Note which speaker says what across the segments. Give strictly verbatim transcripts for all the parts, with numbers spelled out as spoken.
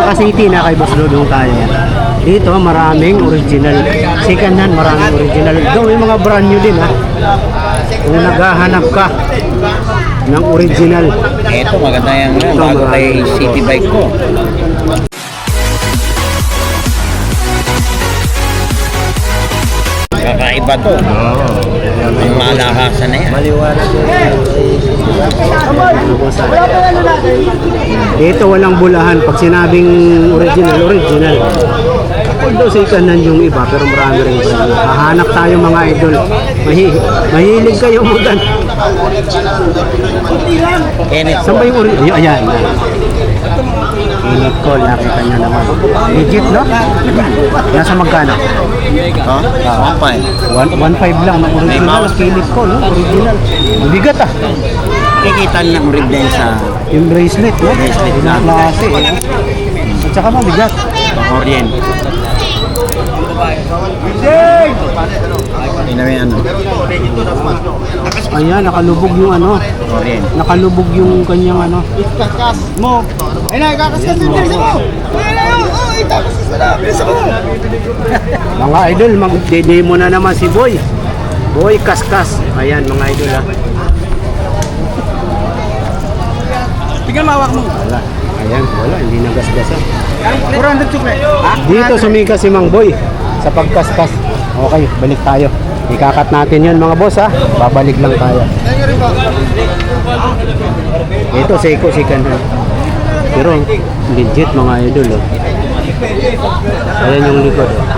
Speaker 1: Saka City na kay Boss Dodong tayo. Dito maraming original. Second hand, maraming original. Ito may mga brand new din ha. Kung naghahanap ka ng original.
Speaker 2: Ito maganda yung uh, bago kay City Bike ko. Kakaiba to. May malakasan na yan.
Speaker 1: Maliwanag ito, walang bulahan. Pag sinabing original, original. Although second hand yung iba, pero marami rin. Hahanap tayo mga idol. Mahi mahilig kayo mudan. Saan ba yung original? Ayan. Init ko, nakita nyo naman. Legit, no? Nasa magkano?
Speaker 2: Ha? one five.
Speaker 1: one five lang. Original, kilit ko, no? Original. Bigat ah.
Speaker 2: Kikita ng rib din sa
Speaker 1: yung bracelet, no?
Speaker 2: Bracelet
Speaker 1: na klase, eh. At saka mabigat.
Speaker 2: Orient. Tingnan mo yan.
Speaker 1: Ayan, nakalubog yung ano.
Speaker 2: Orient.
Speaker 1: Nakalubog yung kanyang ano.
Speaker 3: Kaskas mo. Ay na, kakaskas din din mo. Ay na yun. Oh, itakaskas na lang. Bisa mo.
Speaker 1: Mga idol, mag-demo na naman si Boy. Boy Kaskas. Ayan, mga idol ah.
Speaker 3: Tingnan mawak mo.
Speaker 1: Wala. Ayan, wala. Hindi nagasgasan.
Speaker 3: four hundred chukle.
Speaker 1: Dito sumika si Mang Boy sa pagkaskas. Okay, balik tayo. Ikakat natin yun mga boss ha. Babalik lang tayo. Ito, Seiko, second hand. Pero legit mga idol oh. Ayan yung likod oh.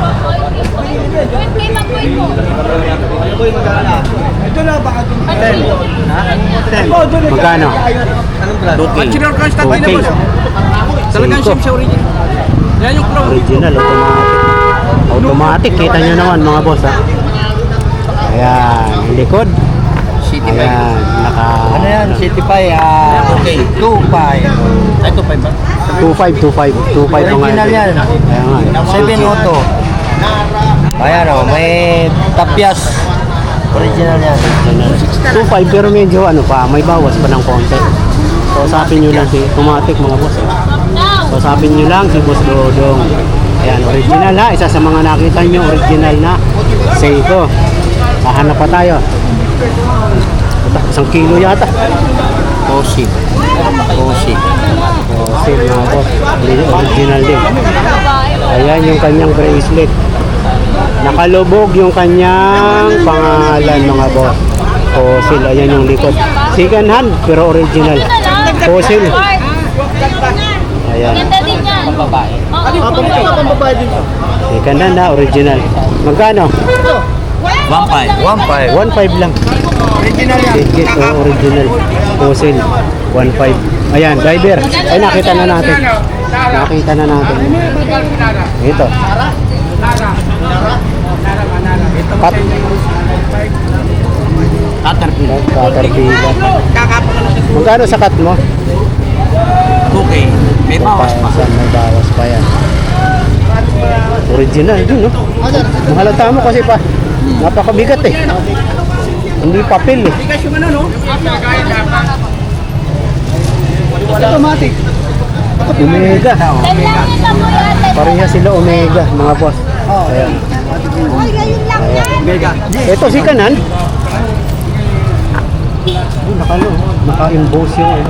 Speaker 3: Ito na baka ten. ten.
Speaker 1: Magkano?
Speaker 3: Original crush tayo na boss. Talagang
Speaker 1: Seiko.
Speaker 3: sim sa original. Yan yung pro.
Speaker 1: Original, automatic. Automatic, kita nyo naman mga boss ha. Ayan, yung likod.
Speaker 2: City Bike.
Speaker 1: Ayan, naka...
Speaker 2: Ano yan? City Bike. Ah, okay. two five. Ay, two five ba?
Speaker 1: two five, two five. two five mga
Speaker 2: Original
Speaker 1: idol.
Speaker 2: yan.
Speaker 1: Ayan nga eh.
Speaker 2: seven auto. Ayan o, may tapyas. Original yan.
Speaker 1: two five pero medyo ano pa, may bawas pa ng konti. So usapin nyo lang si automatic mga boss. Eh. So usapin nyo lang si Boss Dodong. Ayan, original ha. Isa sa mga nakita nyo, original na Seiko. Hahanap pa tayo. Isang kilo yata.
Speaker 2: Osi. Osi.
Speaker 1: Osi mga boss. Original din. Ayan yung kanyang bracelet. Nakalubog yung kanyang pangalan mga boss. Fossil, ayan yung likod. Second hand pero original. Fossil. Ayan.
Speaker 4: Ganda din yan.
Speaker 2: Babae.
Speaker 3: Pambabae din.
Speaker 1: Second hand na original. Magkano?
Speaker 2: one five. one five.
Speaker 1: one five lang.
Speaker 3: Original yan.
Speaker 1: Legit o original. Fossil. one five. Ayan, driver. Ay, nakita na natin. Nakita na natin. Ito. Cut.
Speaker 2: Caterpillar.
Speaker 1: Caterpillar. Magkano sa cut mo?
Speaker 2: two K. May bawas pa.
Speaker 1: May bawas pa yan. Original din, no? Mahalata mo kasi pa. Napakabigat eh. Hindi papel eh.
Speaker 3: Bigas yung ano no? Automatic.
Speaker 1: Omega.
Speaker 4: Dalangin na mo yan.
Speaker 1: Pareha sila Omega, mga boss. Ayan.
Speaker 4: Ay, ngayon lang yan.
Speaker 3: Mega.
Speaker 1: Ito si Kanan. Nakalo, naka-emboss yung ano.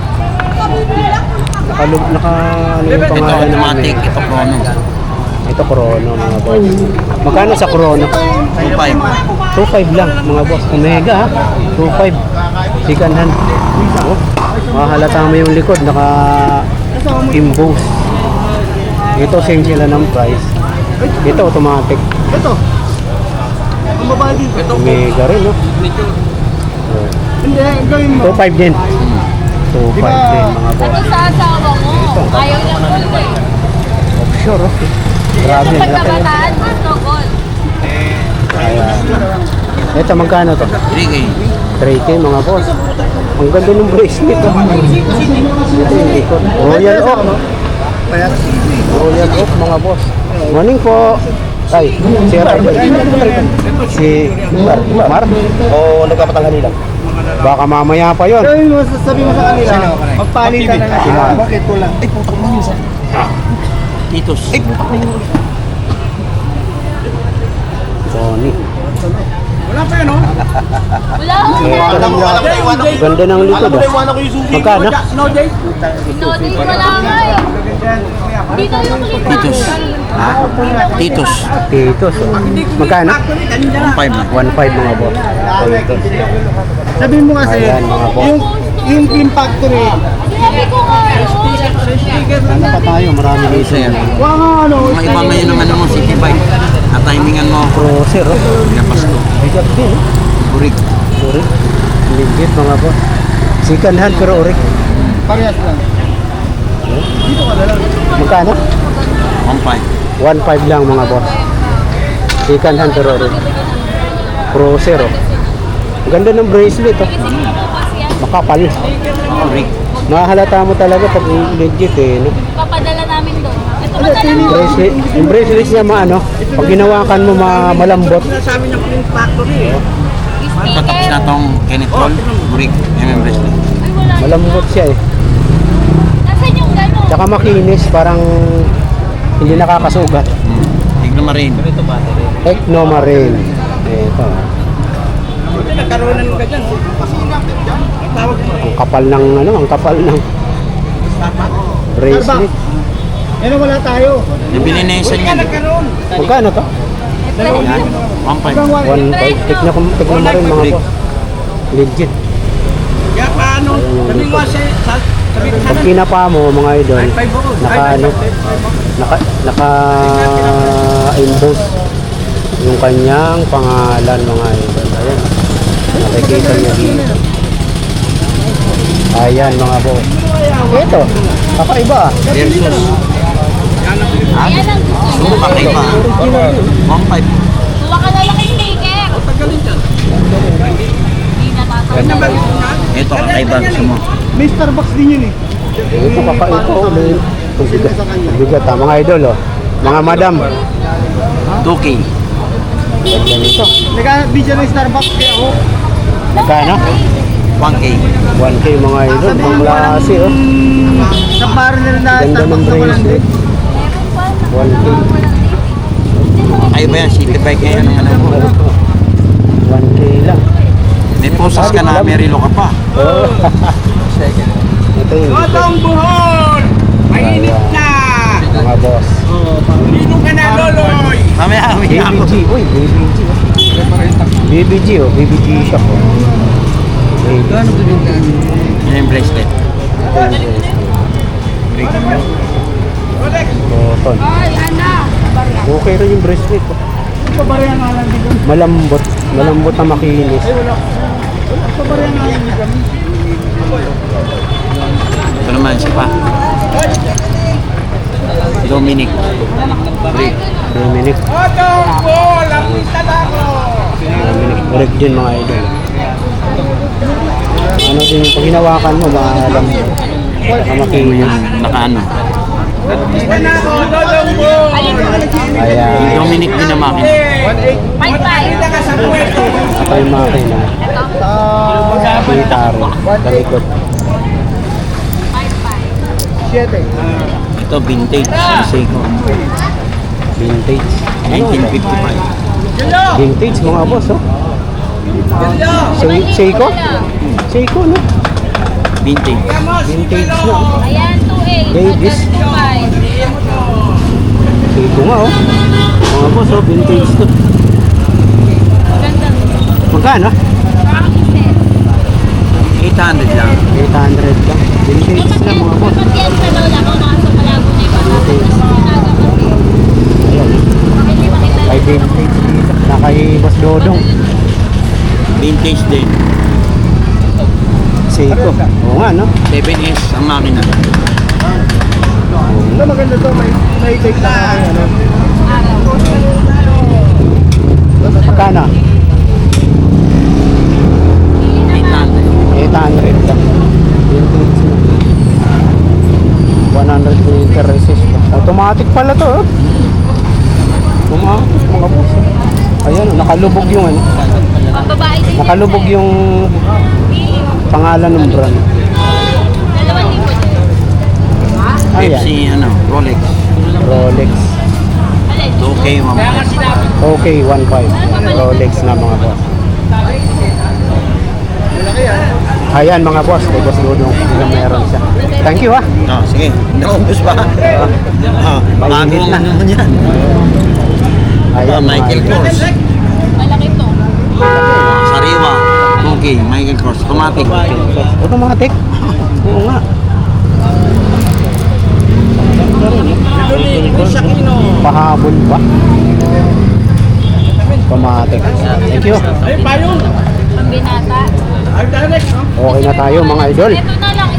Speaker 1: Nakalo, naka ano yung
Speaker 2: Ito
Speaker 1: pangalan ng
Speaker 2: automatic. Ito chrono.
Speaker 1: Ito Chrono mga boss. Magkano sa Chrono?
Speaker 2: two five.
Speaker 1: two five lang mga boss. Omega ha. two five. Second hand. Oh, mahalata mo yung likod. Naka-emboss. Ito same sila ng price. Ito automatic.
Speaker 3: Ito. Pambabae din. Ito.
Speaker 1: Omega rin no.
Speaker 3: Hindi, gawin mo.
Speaker 1: two five din. two five din mga boss.
Speaker 4: Ano sa asawa mo? Ayaw niya gold eh.
Speaker 1: Offshore oh. Grabe.
Speaker 4: Sa
Speaker 1: laki, oh.
Speaker 4: pagkabataan, gusto gold.
Speaker 1: Ayan. Ito magkano to?
Speaker 2: three K.
Speaker 1: three K mga boss. Ang ganda ng bracelet oh. Ito yung likod. Royal Oak. Royal Oak mga boss. Morning po. Ay, si Ray. Si Mar. Mar? O nagkapatanghan nila? Baka mamaya pa yon.
Speaker 3: Sabi mo, sabi mo sa kanila,
Speaker 2: Sino?
Speaker 3: magpalitan na lang.
Speaker 1: Sino?
Speaker 3: Ah, bakit ko lang?
Speaker 2: Ay, putok na yun sa... Titos. Ay, putok na yun.
Speaker 1: Sony.
Speaker 3: Wala pa yun, oh.
Speaker 4: Wala ko na.
Speaker 1: Ito lang yan. Ganda ng likod ah. Magkano?
Speaker 3: No, Jay?
Speaker 4: No, di wala nga eh. Dito yung likod.
Speaker 2: Titos. Ha? Titos.
Speaker 1: Titos. oh. Magkano?
Speaker 2: Five na.
Speaker 1: one five mga boss. Titos.
Speaker 3: Sabihin mo kasi,
Speaker 1: Ayan, mga boss.
Speaker 3: yung yung Team Factory,
Speaker 4: Sinabi ko nga yun.
Speaker 1: Ano pa tayo? Marami dito.
Speaker 2: Sir.
Speaker 3: wala nga ano,
Speaker 2: Mga iba ngayon ng ano mo, City Bike. At timingan mo.
Speaker 1: Cruiser oh.
Speaker 2: Pinapas ko.
Speaker 1: Bigat din eh.
Speaker 2: Burik.
Speaker 1: Urik. Legit mga boss. Second hand pero urik.
Speaker 3: parehas lang. Dito ka na lang.
Speaker 1: Magkano?
Speaker 2: One five.
Speaker 1: one five lang mga boss. Second hand pero urik. Cruiser oh. Ganda ng bracelet oh. Makapal.
Speaker 2: Burik.
Speaker 1: Mahalata mo talaga pag legit eh. No?
Speaker 4: Papadala namin doon. Ito padala mo.
Speaker 1: Bracelet, yung bracelet niya maano, pag ginawakan mo ma malambot.
Speaker 3: Sabi ng Team Factory, eh.
Speaker 2: Patapos
Speaker 4: Sticker.
Speaker 2: na tong Kenneth Roll. Burik. M M bracelet.
Speaker 4: Ay, wala.
Speaker 1: Malambot siya eh.
Speaker 4: Nasaan yung gano'n?
Speaker 1: Tsaka makinis, parang hindi nakakasugat.
Speaker 2: Hmm. Tignan mo rin.
Speaker 1: Ecnomarine. Ito.
Speaker 3: Nagkaroon ng ganyan.
Speaker 1: Ang kapal ng ano, ang kapal ng bracelet.
Speaker 3: Yan ang wala tayo.
Speaker 2: Nabili na isa niyan.
Speaker 3: Nagkaroon.
Speaker 1: Magkano to?
Speaker 2: Yan. One five.
Speaker 1: one five. Tignan ko, tignan mo rin mga boss. Legit.
Speaker 3: Kaya paano? Sabi ko kasi, sa- sabi ko
Speaker 1: Pag
Speaker 3: sana,
Speaker 1: kinapa mo mga idol,
Speaker 3: five ako.
Speaker 1: naka ano, naka, naka emboss yung kanyang pangalan mga idol. Ayan. Nakikita niyo dito. Ayan mga boss. Ito, kakaiba ah.
Speaker 2: Versus.
Speaker 4: Ayan ang gusto niya.
Speaker 2: Puro kakaiba. One five.
Speaker 4: Kuha ka na lang yung sticker. Hindi na tatawag.
Speaker 2: Ito kakaiba gusto mo.
Speaker 3: may Starbucks din yun eh.
Speaker 1: Ito kakaiba oh. may- Bigat, bigat ah, mga idol oh. Mga madam.
Speaker 2: two K.
Speaker 1: Ganito.
Speaker 3: Nagka-video ng Starbucks kaya ako.
Speaker 1: Magkano?
Speaker 2: one K.
Speaker 1: one K mga idol. Mga klase oh.
Speaker 3: Sa bar nila na
Speaker 1: Ganda ng
Speaker 3: Starbucks na walang
Speaker 1: bracelet.
Speaker 3: din.
Speaker 4: Meron pa.
Speaker 1: one K.
Speaker 2: Kakaiba yan. City Bike ngayon ang ano mo.
Speaker 1: one K lang.
Speaker 2: May posas ka na, may relo ka pa.
Speaker 1: Oh. Ito yung
Speaker 3: Otong buhon! Mainit na!
Speaker 1: mga boss.
Speaker 3: Lino ka na, Loloy!
Speaker 2: Mamaya,
Speaker 1: B
Speaker 2: mamaya
Speaker 1: B
Speaker 2: ako.
Speaker 1: G. Uy, B B G. B B G oh. B B G shop oh. B B G.
Speaker 2: Yan yung bracelet.
Speaker 1: Cotton.
Speaker 4: Ay, ana.
Speaker 1: Okay rin yung bracelet. oh.
Speaker 3: Pabarya nga lang din kami.
Speaker 1: Malambot. Malambot na makinis.
Speaker 3: Pabarya nga lang din kami.
Speaker 2: Ito naman, siya pa. Dominic. Brick.
Speaker 1: Dominic.
Speaker 3: Otong buhon! Lapita na ako!
Speaker 1: Dominic. Correct din mga idol. Ano din yung pag hinawakan mo, malambot. Na makinis.
Speaker 2: Yung nakaano.
Speaker 3: Lapita na ako, Lolong buhon!
Speaker 1: Ayan.
Speaker 2: Dominic din na makina.
Speaker 4: Five five.
Speaker 3: Ka sa puweto!
Speaker 1: Saka yung makina. Gitaro. Talikod.
Speaker 4: Five five.
Speaker 3: Siete.
Speaker 2: Ito, vintage. Yung Seiko.
Speaker 1: Vintage.
Speaker 2: nineteen fifty-five.
Speaker 1: Vintage mga boss oh. Se- Seiko? Seiko no?
Speaker 2: Vintage.
Speaker 1: Vintage na oh.
Speaker 4: Ayan, two eight.
Speaker 1: Ladies.
Speaker 4: two five.
Speaker 1: Seiko nga oh. Mga boss oh, vintage to.
Speaker 4: Ganda.
Speaker 1: Magkano?
Speaker 4: Practices.
Speaker 2: eight hundred lang.
Speaker 1: eight hundred lang. Vintage na mga boss.
Speaker 4: Kapag yan sa lola ko, nasa Palago na iba. Tapos sinaga kasi.
Speaker 1: Ayan.
Speaker 4: Hindi makita.
Speaker 1: Ay vintage dito. Nakay Boss Dodong.
Speaker 2: Vintage din.
Speaker 1: Seiko. Oo nga no?
Speaker 2: seven S ang makina.
Speaker 3: Ito maganda to, may may take na ano.
Speaker 1: Magkano?
Speaker 2: eight hundred.
Speaker 1: eight hundred lang. Vintage na. one hundred meter resist. Automatic pala to oh. Automatic mga boss. oh. Ayan, oh, nakalubog yung ano.
Speaker 4: Pambabae din.
Speaker 1: Nakalubog yung Pangalan ng brand.
Speaker 4: Dalawang libo din.
Speaker 1: Ayan.
Speaker 2: Pepsi, ano, Rolex.
Speaker 1: Rolex.
Speaker 4: Alin?
Speaker 2: two K, mamaya.
Speaker 1: Okay, one point five. Rolex na mga boss. Ayan mga boss, kay Boss Dudong. Yung meron siya. Thank you ah.
Speaker 2: Ah, sige. Naubos pa. Ah, bago
Speaker 1: Mainit na.
Speaker 2: naman yan.
Speaker 1: Ayan,
Speaker 2: Ah, Michael
Speaker 1: mga-
Speaker 2: Kors.
Speaker 4: Malaki to.
Speaker 2: Sariwa. two K, Michael Kors. Automatic.
Speaker 1: Automatic? Oo nga. Pahabol ba? Automatic. Thank you.
Speaker 4: Pambinata.
Speaker 1: Okay na tayo mga idol.
Speaker 4: Ito na lang,